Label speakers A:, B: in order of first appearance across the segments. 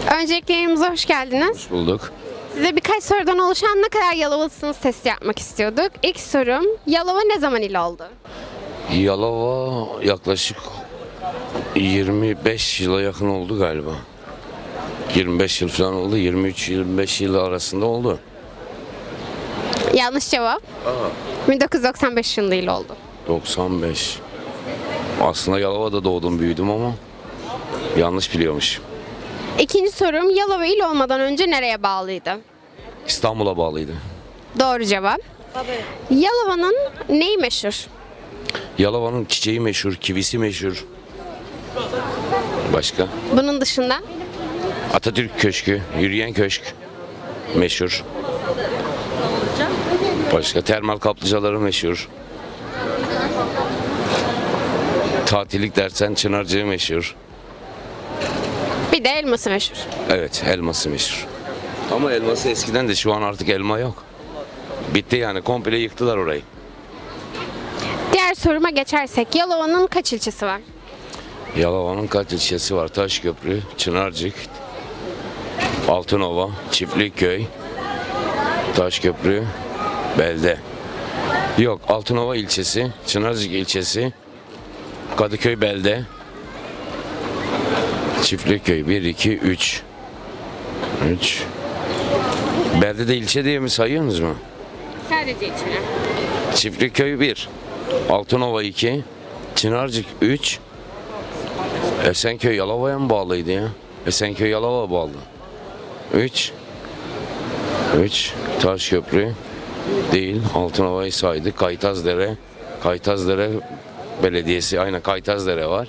A: Öncelikle yayınımıza hoş geldiniz.
B: Bulduk.
A: Size birkaç sorudan oluşan ne kadar Yalovalısınız testi yapmak istiyorduk. İlk sorum, Yalova ne zaman il oldu?
B: Yalova yaklaşık 25 yıla yakın oldu galiba. 25 yıl falan oldu. 23-25 yıl arasında oldu.
A: Yanlış cevap. 1995 yılında il oldu.
B: 95. Aslında Yalova'da doğdum büyüdüm ama yanlış biliyormuş.
A: İkinci sorum, Yalova il olmadan önce nereye bağlıydı?
B: İstanbul'a bağlıydı.
A: Doğru cevap. Yalova'nın neyi meşhur?
B: Yalova'nın çiçeği meşhur, kivisi meşhur. Başka?
A: Bunun dışında?
B: Atatürk Köşkü, yürüyen köşk meşhur. Başka? Termal kaplıcaları meşhur. Tatillik dersen Çınarcığı meşhur.
A: Bir de elması meşhur.
B: Evet, elması meşhur. Ama elması eskiden de şu an artık elma yok. Bitti yani, komple yıktılar orayı.
A: Diğer soruma geçersek, Yalova'nın kaç ilçesi var?
B: Yalova'nın kaç ilçesi var? Taşköprü, Çınarcık, Altınova, Çiftlikköy, Taşköprü, Belde. Yok, Altınova ilçesi, Çınarcık ilçesi, Kadıköy Belde, Çiftlikköy 1, 2, 3. 3. Belde de ilçe diye mi sayıyorsunuz mu?
A: Sadece ilçeler.
B: Çiftlikköy 1, Altınova 2, Çınarcık 3, Esenköy Yalova'ya mı bağlıydı ya? Esenköy Yalova bağlı. 3, Taşköprü değil, Altınova'yı saydık. Kaytazdere Belediyesi, aynen Kaytazdere var.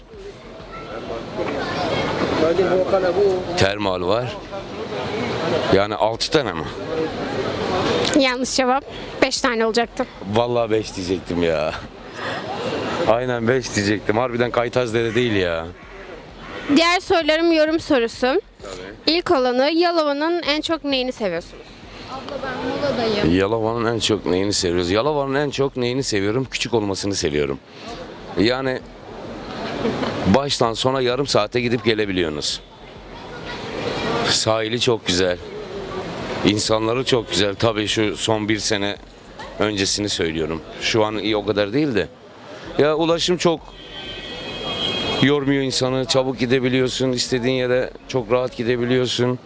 B: Termal var. Yani 6 tane mi?
A: Yanlış cevap. 5 tane olacaktı.
B: Vallahi 5 diyecektim ya. Aynen 5 diyecektim. Harbiden Kaytazdere değil ya.
A: Diğer sorularım yorum sorusu. İlk olanı, Yalova'nın en çok neyini seviyorsunuz?
B: Yalova'nın en çok neyini seviyoruz? Yalova'nın en çok neyini seviyorum? Küçük olmasını seviyorum. Yani baştan sona yarım saate gidip gelebiliyorsunuz. Sahili çok güzel. İnsanları çok güzel. Tabii şu son bir sene öncesini söylüyorum. Şu an iyi o kadar değil de. Ya ulaşım çok yormuyor insanı. Çabuk gidebiliyorsun. İstediğin yere çok rahat gidebiliyorsun.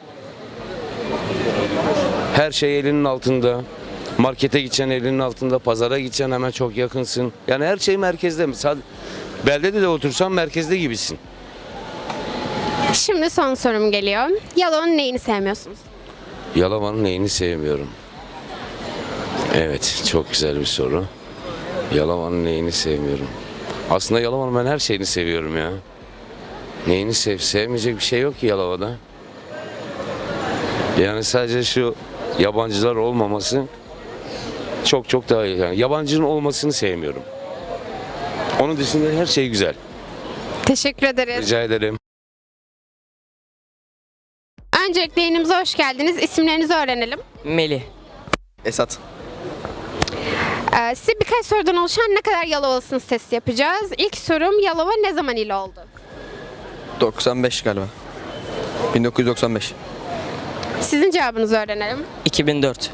B: Her şey elinin altında. Markete gideceksin elinin altında. Pazara gideceksin hemen çok yakınsın. Yani her şey merkezde. Beldede de otursan merkezde gibisin.
A: Şimdi son sorum geliyor. Yalova'nın neyini sevmiyorsunuz?
B: Yalova'nın neyini sevmiyorum? Evet, çok güzel bir soru. Yalova'nın neyini sevmiyorum? Aslında Yalova'nın ben her şeyini seviyorum ya. Neyini sevmeyecek bir şey yok ki Yalova'da. Yani sadece şu yabancılar olmaması çok daha iyi. Yani yabancının olmasını sevmiyorum. Onun dışında her şey güzel.
A: Teşekkür ederiz.
B: Rica ederim.
A: Öncelikle yayınımıza hoş geldiniz. İsimlerinizi öğrenelim.
C: Melih.
D: Esat.
A: Size birkaç sorudan oluşan ne kadar Yalovalısınız testi yapacağız. İlk sorum, Yalova ne zaman il oldu?
D: 95 galiba. 1995.
A: Sizin cevabınızı öğrenelim.
C: 2004.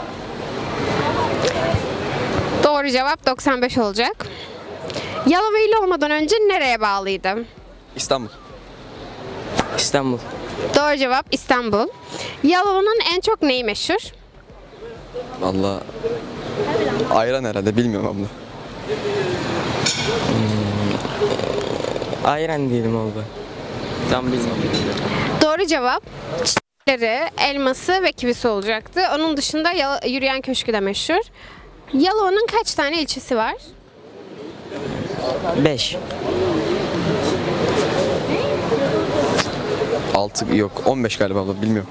A: Doğru cevap 95 olacak. Yalova il olmadan önce nereye bağlıydı?
D: İstanbul.
C: İstanbul.
A: Doğru cevap İstanbul. Yalova'nın en çok neyi meşhur?
D: Vallahi ayran herhalde, bilmiyorum abla.
C: Ayran diyelim oldu. Tam bilmiyorum.
A: Doğru cevap çiçekleri, elması ve kivisi olacaktı. Onun dışında yürüyen köşkü de meşhur. Yalova'nın kaç tane ilçesi var?
C: 5.
D: 6 yok, 15 galiba abla, bilmiyorum.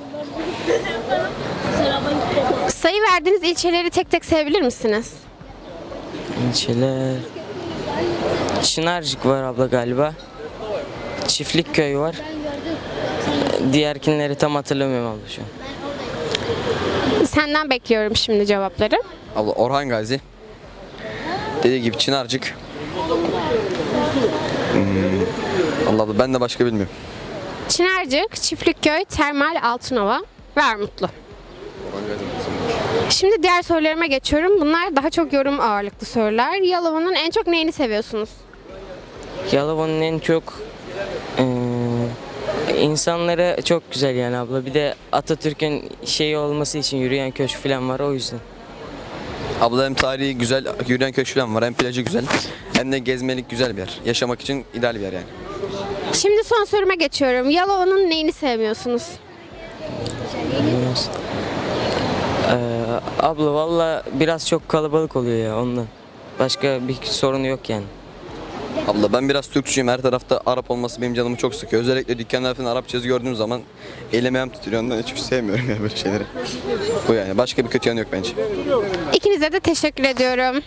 A: Sayı verdiğiniz ilçeleri tek tek sayabilir misiniz?
C: İlçeler. Çınarcık var abla galiba. Çiftlikköy var. Diğerkinleri tam hatırlamıyorum abla şu an.
A: Senden bekliyorum şimdi cevapları.
D: Abla Orhan Gazi. Dediği gibi Çınarcık. Allah abla, ben de başka bilmiyorum.
A: Çınarcık, Çiftlikköy, Termal, Altınova ve Armutlu. Şimdi diğer sorularıma geçiyorum. Bunlar daha çok yorum ağırlıklı sorular. Yalova'nın en çok neyini seviyorsunuz?
C: Yalova'nın en çok insanları çok güzel yani abla. Bir de Atatürk'ün şeyi olması için yürüyen köşk falan var o yüzden.
D: Abla hem tarihi güzel, yürüyen köşk falan var, hem plajı güzel, hem de gezmelik güzel bir yer. Yaşamak için ideal bir yer yani.
A: Şimdi son soruma geçiyorum. Yalova'nın neyini sevmiyorsunuz?
C: Abla valla biraz çok kalabalık oluyor ya ondan. Başka bir sorunu yok yani.
D: Abla ben biraz Türkçüyüm, her tarafta Arap olması benim canımı çok sıkıyor. Özellikle dükkanlar falan Arapça yazı gördüğüm zaman elim ayağım titriyor, ondan hiç sevmiyorum ya böyle şeyleri. Bu yani, başka bir kötü yanı yok bence.
A: İkinize de teşekkür ediyorum.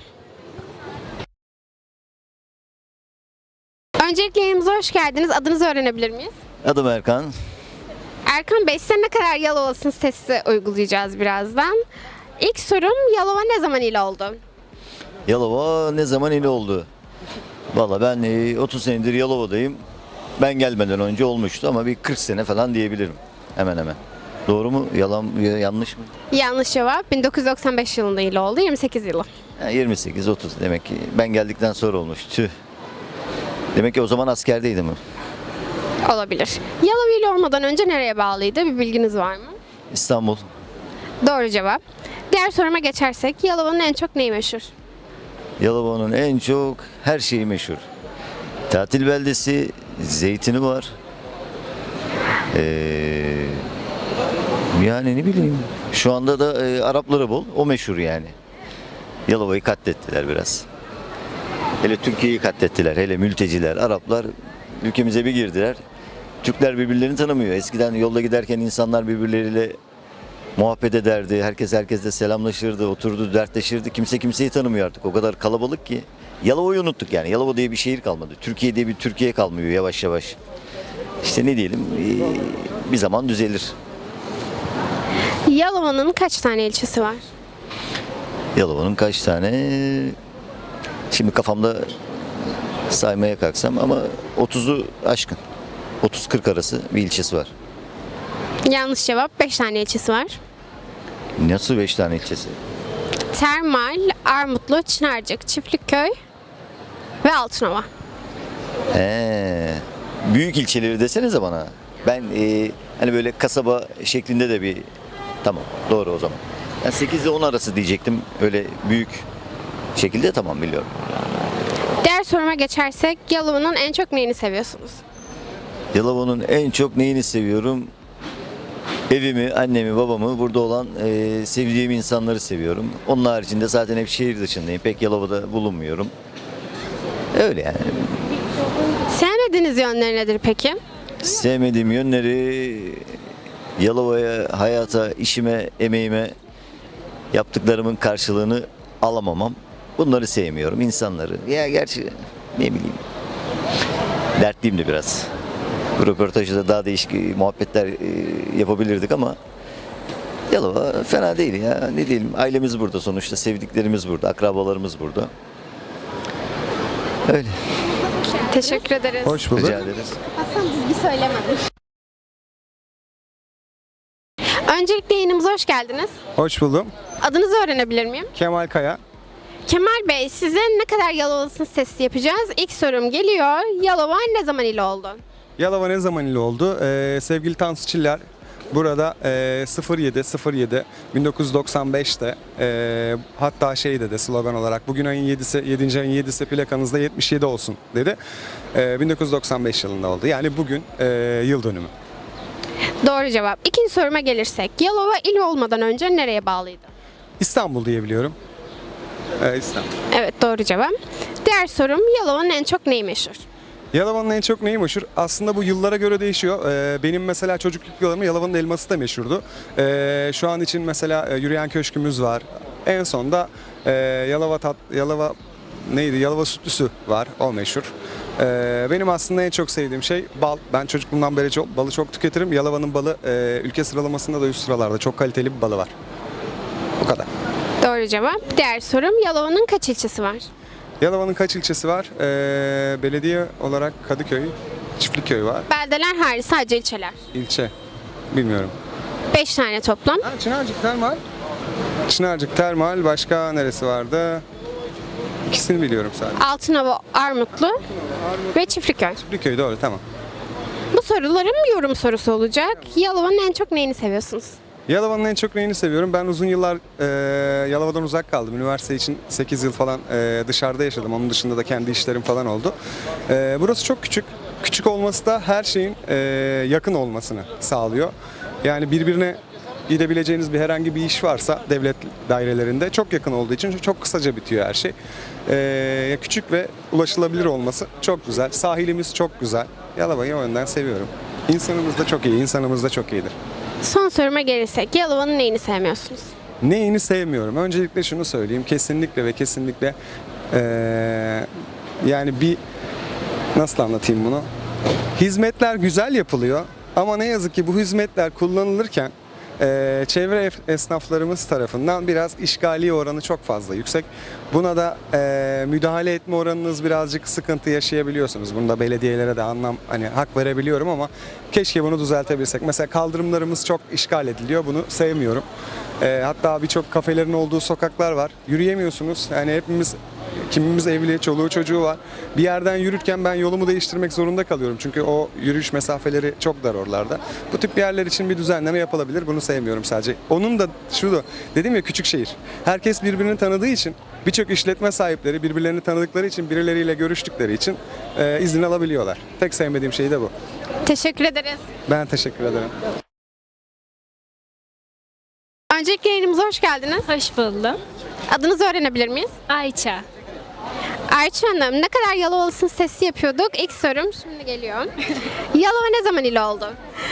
A: Öncelikle yayınımıza hoş geldiniz. Adınızı öğrenebilir miyiz?
E: Adım Erkan.
A: Erkan Bey, size ne kadar Yalova'sınız testi uygulayacağız birazdan. İlk sorum, Yalova ne zaman il oldu?
E: Yalova ne zaman il oldu? Valla ben 30 senedir Yalova'dayım. Ben gelmeden önce olmuştu ama bir 40 sene falan diyebilirim. Hemen hemen. Doğru mu? Yalan, yanlış mı?
A: Yanlış cevap. 1995 yılında il oldu. 28 yılı.
E: 28-30 demek ki. Ben geldikten sonra olmuş. Tüh. Demek ki o zaman askerdeydim.
A: Olabilir. Yalova il olmadan önce nereye bağlıydı? Bir bilginiz var mı?
E: İstanbul.
A: Doğru cevap. Diğer soruma geçersek, Yalova'nın en çok neyi meşhur?
E: Yalova'nın en çok her şeyi meşhur. Tatil beldesi, zeytini var. Yani ne bileyim. Şu anda da Arapları bol. O meşhur yani. Yalova'yı katlettiler biraz. Hele Türkiye'yi katlettiler. Hele mülteciler, Araplar ülkemize bir girdiler. Türkler birbirlerini tanımıyor. Eskiden yolda giderken insanlar birbirleriyle muhabbet ederdi. Herkes herkesle selamlaşırdı, oturdu, dertleşirdi. Kimse kimseyi tanımıyor artık. O kadar kalabalık ki. Yalova'yı unuttuk yani. Yalova diye bir şehir kalmadı. Türkiye diye bir Türkiye kalmıyor yavaş yavaş. İşte ne diyelim, bir zaman düzelir.
A: Yalova'nın kaç tane ilçesi var?
E: Yalova'nın kaç tane? Şimdi kafamda saymaya kalksam ama 30'u aşkın. 30-40 arası bir ilçesi var.
A: Yanlış cevap. 5 tane ilçesi var.
E: Nasıl 5 tane ilçesi?
A: Termal, Armutlu, Çınarcık, Çiftlikköy ve Altınova.
E: Büyük ilçeleri desenize bana. Ben hani böyle kasaba şeklinde de bir... Tamam, doğru o zaman. Ben 8 ile 10 arası diyecektim. Öyle büyük şekilde, tamam, biliyorum.
A: Diğer soruma geçersek, Yalova'nın en çok neyini seviyorsunuz?
E: Yalova'nın en çok neyini seviyorum? Evimi, annemi, babamı, burada olan sevdiğim insanları seviyorum. Onun haricinde zaten hep şehir dışındayım. Pek Yalova'da bulunmuyorum. Öyle yani.
A: Sevmediğiniz yönleri nedir peki?
E: Sevmediğim yönleri Yalova'ya, hayata, işime, emeğime yaptıklarımın karşılığını alamamam. Bunları sevmiyorum, insanları. Ya gerçi ne bileyim, dertliyim de biraz. Bu röportajda da daha değişik muhabbetler yapabilirdik ama Yalova fena değil ya. Ne diyelim, ailemiz burada sonuçta, sevdiklerimiz burada, akrabalarımız burada. Öyle.
A: Teşekkür ederiz.
F: Hoş bulduk.
E: Rica ederiz.
A: Hasan bir söylemedim. Öncelikle yayınımıza hoş geldiniz.
F: Hoş buldum.
A: Adınızı öğrenebilir miyim?
F: Kemal Kaya.
A: Kemal Bey, size ne kadar Yalova'lısınız testi yapacağız. İlk sorum geliyor. Yalova ne zaman il oldu?
F: Yalova ne zaman il oldu? Sevgili Tansu Çiller burada 07 1995'te hatta şey dedi slogan olarak bugün ayın 7'si 7. ayın 7'si plakanızda 77 olsun dedi. 1995 yılında oldu. Yani bugün yıl dönümü.
A: Doğru cevap. İkinci soruma gelirsek. Yalova il olmadan önce nereye bağlıydı?
F: İstanbul diyebiliyorum. İstanbul.
A: Evet, doğru cevap. Diğer sorum, Yalova'nın en çok neyi meşhur?
F: Yalova'nın en çok neyi meşhur? Aslında bu yıllara göre değişiyor. Benim mesela çocukluk yıllarımda Yalova'nın elması da meşhurdu. Şu an için mesela yürüyen köşkümüz var. En son da Yalova sütlüsü var. O meşhur. Benim aslında en çok sevdiğim şey bal. Ben çocukluğumdan beri balı çok tüketirim. Yalova'nın balı ülke sıralamasında da üst sıralarda. Çok kaliteli bir balı var. Bu kadar.
A: Doğru cevap. Diğer sorum, Yalova'nın kaç ilçesi var?
F: Yalova'nın kaç ilçesi var? Belediye olarak Kadıköy, Çiftliköy var.
A: Beldeler hariç sadece ilçeler.
F: İlçe. Bilmiyorum.
A: 5 tane toplam.
F: Ha, Çınarcık Termal. Çınarcık Termal. Başka neresi vardı? İkisini biliyorum sadece.
A: Altınova, Armutlu ve Çiftliköy.
F: Çiftliköy doğru, tamam.
A: Bu sorularım yorum sorusu olacak. Yalova'nın en çok neyini seviyorsunuz?
F: Yalova'nın en çok neyini seviyorum? Ben uzun yıllar Yalova'dan uzak kaldım. Üniversite için 8 yıl falan dışarıda yaşadım. Onun dışında da kendi işlerim falan oldu. Burası çok küçük. Küçük olması da her şeyin yakın olmasını sağlıyor. Yani birbirine gidebileceğiniz bir herhangi bir iş varsa devlet dairelerinde çok yakın olduğu için çok kısaca bitiyor her şey. Küçük ve ulaşılabilir olması çok güzel. Sahilimiz çok güzel. Yalova'yı o yönden seviyorum. İnsanımız da çok iyi, insanımız da çok iyidir.
A: Son soruma gelirsek Yalova'nın neyini sevmiyorsunuz?
F: Neyini sevmiyorum? Öncelikle şunu söyleyeyim. Kesinlikle ve kesinlikle yani nasıl anlatayım bunu? Hizmetler güzel yapılıyor ama ne yazık ki bu hizmetler kullanılırken çevre esnaflarımız tarafından biraz işgali oranı çok fazla yüksek. Buna da müdahale etme oranınız birazcık sıkıntı yaşayabiliyorsunuz. Bunda belediyelere de hak verebiliyorum ama keşke bunu düzeltebilsek. Mesela kaldırımlarımız çok işgal ediliyor. Bunu sevmiyorum. Hatta birçok kafelerin olduğu sokaklar var. Yürüyemiyorsunuz. Yani kimimiz evli, çoluğu çocuğu var. Bir yerden yürürken ben yolumu değiştirmek zorunda kalıyorum. Çünkü o yürüyüş mesafeleri çok dar oralarda. Bu tip yerler için bir düzenleme yapılabilir. Bunu sevmiyorum sadece. Onun da dedim ya, küçük şehir. Herkes birbirini tanıdığı için, birçok işletme sahipleri birbirlerini tanıdıkları için, birileriyle görüştükleri için izin alabiliyorlar. Tek sevmediğim şey de bu.
A: Teşekkür ederiz.
F: Ben teşekkür ederim.
A: Öncelikle yayınımıza hoş geldiniz.
G: Hoş buldum.
A: Adınızı öğrenebilir miyiz?
G: Ayça.
A: Ayça Hanım, ne kadar Yalovalısın sesi yapıyorduk. İlk sorum şimdi geliyor. Yalova ne zaman il oldu?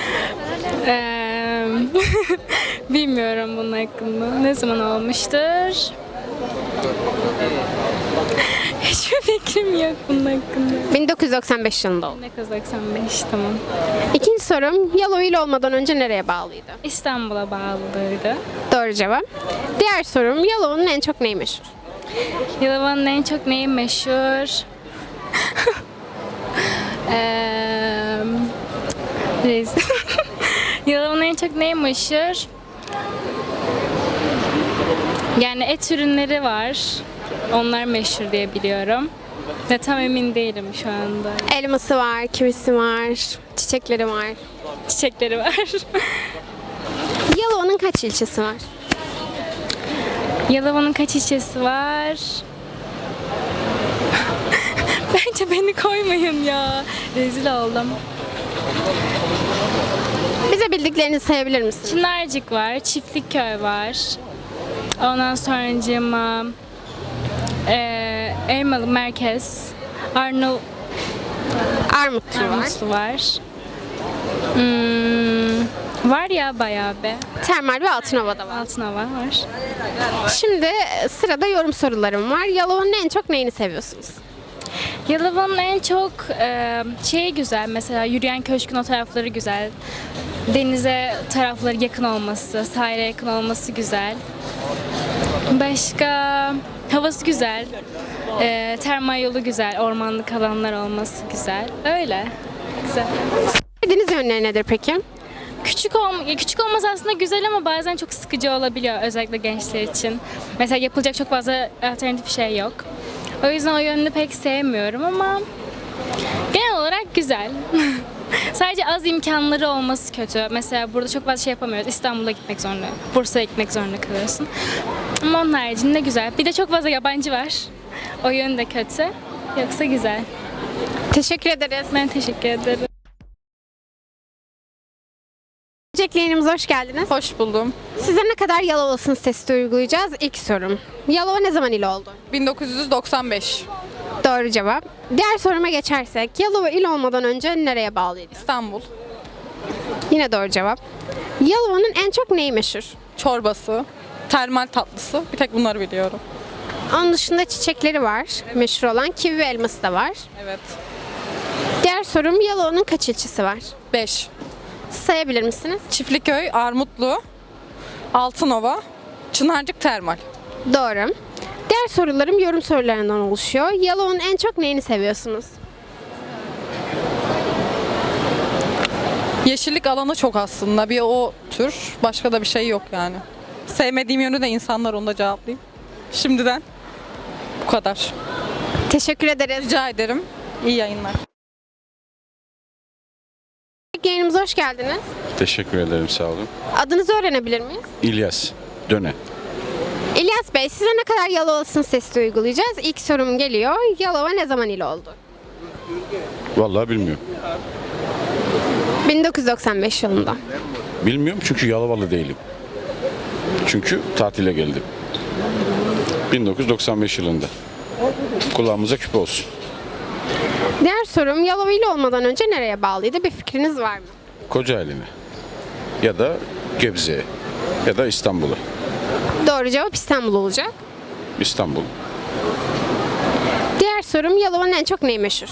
G: Bilmiyorum bunun hakkında. Ne zaman olmuştur? Hiçbir fikrim yok bunun hakkında.
A: 1995 yılında oldu.
G: 1995 tamam.
A: İkinci sorum, Yalova il olmadan önce nereye bağlıydı?
G: İstanbul'a bağlıydı.
A: Doğru cevap. Diğer sorum, Yalova'nın en çok neyi meşhur?
G: Yalova'nın en çok neyi meşhur? Neyse. Yalova'nın en çok neyi meşhur? Yani et ürünleri var. Onlar meşhur diye biliyorum. Ve tam emin değilim şu anda.
A: Elması var, kivisi var, çiçekleri var.
G: Çiçekleri var.
A: Yalova'nın kaç ilçesi var?
G: Yalova'nın kaç ilçesi var? Bence beni koymayın ya. Rezil oldum.
A: Bize bildiklerinizi sayabilir misiniz?
G: Çınarcık var, Çiftlikköy var. Ondan sonracığıma Elmalı Merkez,
A: Armutlu var.
G: Armutlu var. Var ya bayağı be.
A: Termal ve Altınova'da var.
G: Altınova var.
A: Şimdi sırada yorum sorularım var. Yalova'nın en çok neyini seviyorsunuz?
G: Yalova'nın en çok şeyi güzel. Mesela yürüyen köşkün o tarafları güzel. Denize tarafları yakın olması, sahile yakın olması güzel. Başka havası güzel. Termal yolu güzel. Ormanlık alanlar olması güzel. Öyle. Güzel.
A: Sevdiğiniz yönleri nedir peki?
G: Küçük olması aslında güzel ama bazen çok sıkıcı olabiliyor özellikle gençler için. Mesela yapılacak çok fazla alternatif şey yok. O yüzden o yönünü pek sevmiyorum ama genel olarak güzel. Sadece az imkanları olması kötü. Mesela burada çok fazla şey yapamıyoruz. İstanbul'a gitmek zorunda, Bursa'ya gitmek zorunda kalıyorsun. Ama onun haricinde güzel. Bir de çok fazla yabancı var. O yönü de kötü. Yoksa güzel.
A: Teşekkür ederiz.
G: Ben teşekkür ederim.
A: Öncelikle yayınımıza hoş geldiniz.
H: Hoş buldum.
A: Size ne kadar Yalovalısınız testi uygulayacağız? İlk sorum. Yalova ne zaman il oldu?
H: 1995.
A: Doğru cevap. Diğer soruma geçersek, Yalova il olmadan önce nereye bağlıydı?
H: İstanbul.
A: Yine doğru cevap. Yalova'nın en çok neyi meşhur?
H: Çorbası, termal tatlısı. Bir tek bunları biliyorum.
A: Onun dışında çiçekleri var. Meşhur olan kivi ve elması da var.
H: Evet.
A: Diğer sorum, Yalova'nın kaç ilçesi var?
H: 5.
A: Sayabilir misiniz?
H: Çiftliköy, Armutlu, Altınova, Çınarcık Termal.
A: Doğru. Diğer sorularım yorum sorularından oluşuyor. Yalova'nın en çok neyini seviyorsunuz?
H: Yeşillik alanı çok aslında. Bir o tür. Başka da bir şey yok yani. Sevmediğim yönü de insanlar, onu da cevaplayayım. Şimdiden bu kadar.
A: Teşekkür ederiz.
H: Rica ederim. İyi yayınlar.
A: Yayınımıza hoş geldiniz.
I: Teşekkür ederim, sağ olun.
A: Adınızı öğrenebilir miyiz?
I: İlyas Döne.
A: İlyas Bey, size ne kadar Yalova'sın testi uygulayacağız. İlk sorum geliyor. Yalova ne zaman il oldu?
I: Vallahi bilmiyorum.
A: 1995 yılında.
I: Bilmiyorum çünkü Yalovalı değilim. Çünkü tatile geldim. 1995 yılında. Kulağımıza küpe olsun.
A: Diğer sorum, Yalova il olmadan önce nereye bağlıydı? Bir fikriniz var mı?
I: Kocaeli'ne. Ya da Gebze'ye. Ya da İstanbul'a.
A: Doğru cevap İstanbul olacak.
I: İstanbul.
A: Diğer sorum, Yalova'nın en çok neyi meşhur?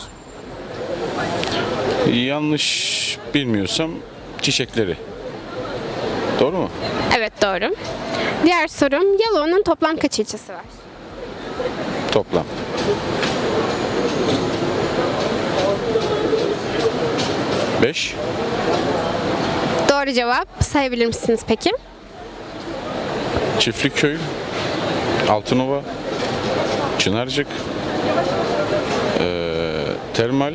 I: Yanlış bilmiyorsam çiçekleri. Doğru mu?
A: Evet, doğru. Diğer sorum, Yalova'nın toplam kaç ilçesi var?
I: Toplam. Beş.
A: Doğru cevap. Sayabilir misiniz peki?
I: Çiftlikköy, Altınova, Çınarcık, Termal,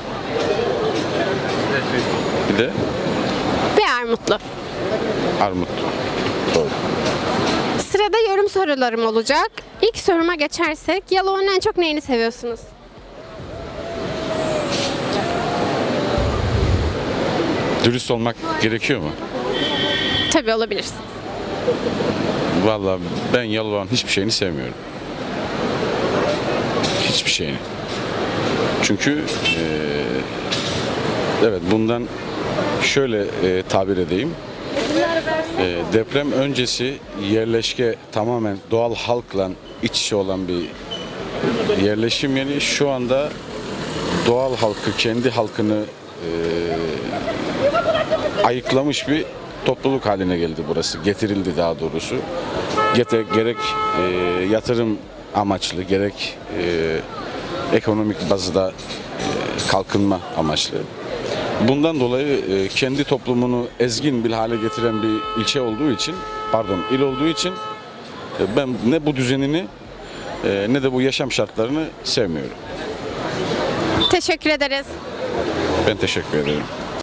I: bir de
A: Ve Armutlu.
I: Armut. Doğru.
A: Sırada yorum sorularım olacak. İlk soruma geçersek, Yalova'nın en çok neyini seviyorsunuz?
I: Dürüst olmak gerekiyor mu?
A: Tabii, olabilirsiniz.
I: Vallahi ben Yalova'nın hiçbir şeyini sevmiyorum. Hiçbir şeyini. Çünkü evet, bundan şöyle tabir edeyim. Deprem öncesi yerleşke tamamen doğal halkla iç içe olan bir yerleşim yeri. Şu anda doğal halkı, kendi halkını ayıklamış bir topluluk haline geldi burası. Getirildi daha doğrusu. Gerek yatırım amaçlı, gerek ekonomik bazda kalkınma amaçlı. Bundan dolayı kendi toplumunu ezgin bir hale getiren bir ilçe olduğu için, il olduğu için ben ne bu düzenini ne de bu yaşam şartlarını sevmiyorum.
A: Teşekkür ederiz.
I: Ben teşekkür ederim.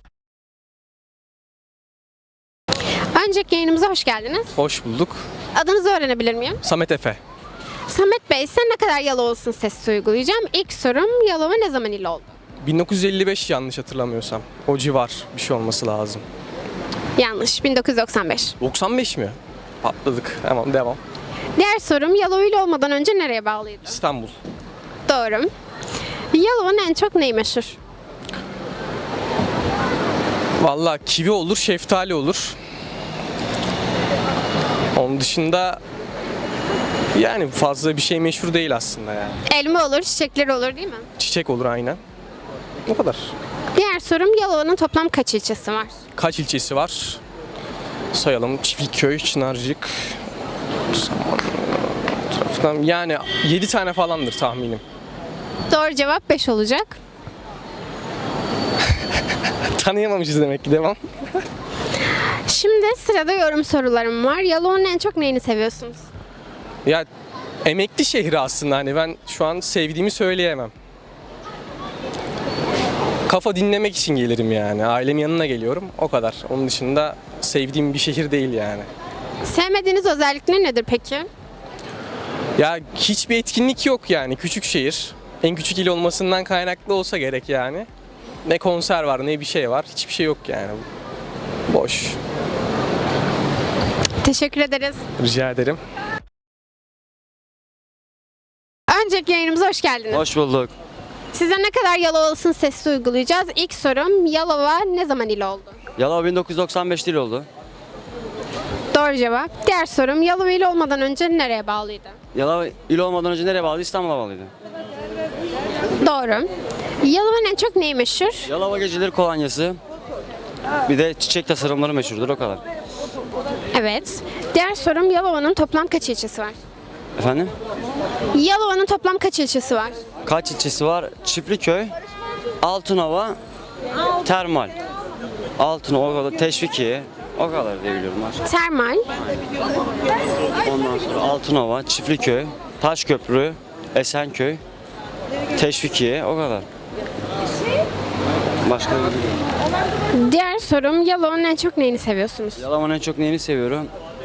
A: Önceki yayınımıza hoş geldiniz.
J: Hoş bulduk.
A: Adınızı öğrenebilir miyim?
J: Samet Efe.
A: Samet Bey, size ne kadar Yalova'sın testi uygulayacağım. İlk sorum, Yalova ne zaman il oldu?
J: 1955 yanlış hatırlamıyorsam. O civar bir şey olması lazım.
A: Yanlış, 1995.
J: 95 mi? Patladık. Tamam, devam.
A: Diğer sorum, Yalova il olmadan önce nereye bağlıydı?
J: İstanbul.
A: Doğru. Yalova'nın en çok neyi meşhur?
J: Vallahi kivi olur, şeftali olur. Onun dışında yani fazla bir şey meşhur değil aslında yani.
A: Elma olur, çiçekleri olur değil mi?
J: Çiçek olur aynen. O kadar.
A: Diğer sorum, Yalova'nın toplam kaç ilçesi var?
J: Kaç ilçesi var? Sayalım. Çiftlikköy, Çınarcık. Tarafından yani 7 tane falandır tahminim.
A: Doğru cevap 5 olacak.
J: Tanıyamamışız demek ki, devam.
A: Şimdi sırada yorum sorularım var. Yalova'nın en çok neyini seviyorsunuz?
J: Ya emekli şehri aslında, hani ben şu an sevdiğimi söyleyemem. Kafa dinlemek için gelirim yani. Ailemin yanına geliyorum, o kadar. Onun dışında sevdiğim bir şehir değil yani.
A: Sevmediğiniz özellikleri nedir peki?
J: Ya hiçbir etkinlik yok yani, küçük şehir. En küçük il olmasından kaynaklı olsa gerek yani. Ne konser var, ne bir şey var. Hiçbir şey yok yani. Boş.
A: Teşekkür ederiz.
J: Rica ederim.
A: Önceki yayınımıza hoş geldiniz.
D: Hoş bulduk.
A: Size ne kadar Yalova'lısın testi uygulayacağız. İlk sorum, Yalova ne zaman il oldu?
D: Yalova 1995 il oldu.
A: Doğru cevap. Diğer sorum, Yalova il olmadan önce nereye bağlıydı?
D: Yalova il olmadan önce nereye bağlıydı? İstanbul'a bağlıydı.
A: Doğru. Yalova'nın en çok neyi meşhur?
D: Yalova geceleri kolonyası. Bir de çiçek tasarımları meşhurdur, o kadar.
A: Evet. Diğer sorum, Yalova'nın toplam kaç ilçesi var?
D: Efendim?
A: Yalova'nın toplam kaç ilçesi var?
D: Kaç ilçesi var? Çiftlikköy, Altınova, Termal.
K: Altınova, Teşvikiye. O kadar diye biliyorum.
A: Termal,
K: Ondan sonra Altınova, Çiftliköy, Taşköprü, Esenköy, Teşvikiye. O kadar. Başka bir bilmiyorum.
A: diğer sorum Yalova'nın en çok neyini seviyorsunuz?
K: Yalova'nın en çok neyini seviyorum?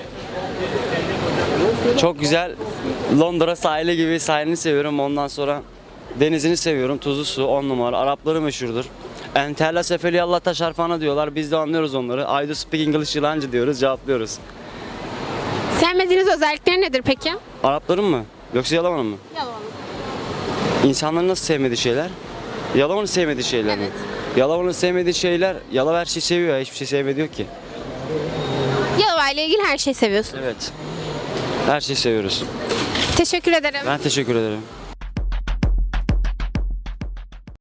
K: Çok güzel Londra sahili gibi sahilini seviyorum. Ondan sonra denizini seviyorum. Tuzlu su 10 numara. Arapları meşhurdur. Entella sefeli Allah taşarfana diyorlar. Biz de anlıyoruz onları. I do speak English yılancı diyoruz. Cevaplıyoruz.
A: Sevmediğiniz özellikleri nedir peki?
K: Arapların mı? Yoksa Yalova'nın mı?
A: Yalova'nın.
K: İnsanların nasıl sevmediği şeyler? Yalova'nın sevmediği şeyler mi? Yalova'nın sevmediği şeyler, Yalova her şeyi seviyor ya. Hiçbir şey sevmediği yok ki.
A: Yalova ile ilgili her şeyi seviyorsunuz.
K: Evet. Her şeyi seviyoruz.
A: Teşekkür ederim.
K: Ben teşekkür ederim.